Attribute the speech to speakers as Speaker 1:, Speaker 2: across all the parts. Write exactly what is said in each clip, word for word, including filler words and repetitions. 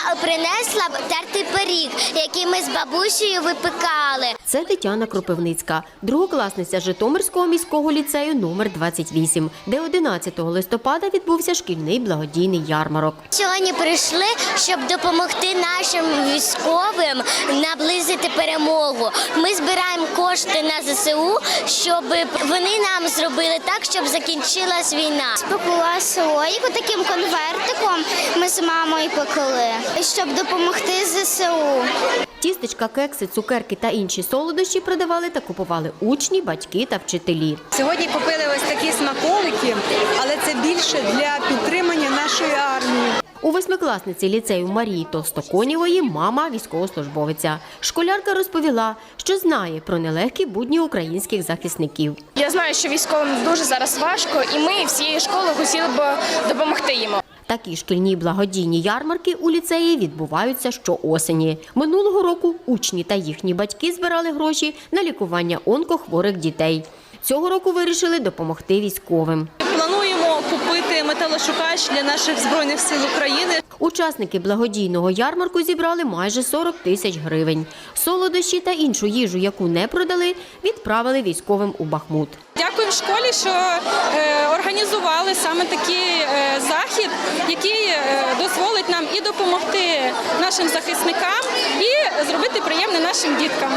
Speaker 1: принесла тертий пиріг, який ми з бабусею випікали.
Speaker 2: Це Тетяна Кропивницька, другокласниця Житомирського міського ліцею номер двадцять вісім, де одинадцятого листопада відбувся шкільний благодійний ярмарок.
Speaker 1: Сьогодні прийшли, щоб допомогти нашим військовим наблизити перемогу. Ми збираємо кошти на зе се у, щоб вони нам зробили так, щоб закінчилась війна.
Speaker 3: Спекла слоїку таким конвертиком ми з мамою пекли, щоб допомогти зе се у.
Speaker 2: Тістечка, кекси, цукерки та інші солодощі продавали та купували учні, батьки та вчителі.
Speaker 4: Сьогодні купили ось такі смаколики, але це більше для підтримання нашої армії.
Speaker 2: У восьмикласниці ліцею Марії Толстоконєвої мама військовослужбовиця. Школярка розповіла, що знає про нелегкі будні українських захисників.
Speaker 5: Я знаю, що військовим дуже зараз важко, і ми всією школою хотіли б допомогти їм.
Speaker 2: Такі шкільні благодійні ярмарки у ліцеї відбуваються щоосені. Минулого року учні та їхні батьки збирали гроші на лікування онкохворих дітей. Цього року вирішили допомогти військовим.
Speaker 4: Плануємо купити металошукач для наших Збройних сил України.
Speaker 2: Учасники благодійного ярмарку зібрали майже сорок тисяч гривень. Солодощі та іншу їжу, яку не продали, відправили військовим у Бахмут.
Speaker 4: Дякуємо школі, що е, організували саме такий е, захід, який е, дозволить нам і допомогти нашим захисникам, і зробити приємне нашим діткам.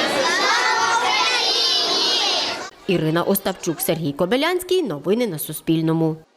Speaker 2: Ірина Остапчук, Сергій Кобилянський. Новини на Суспільному.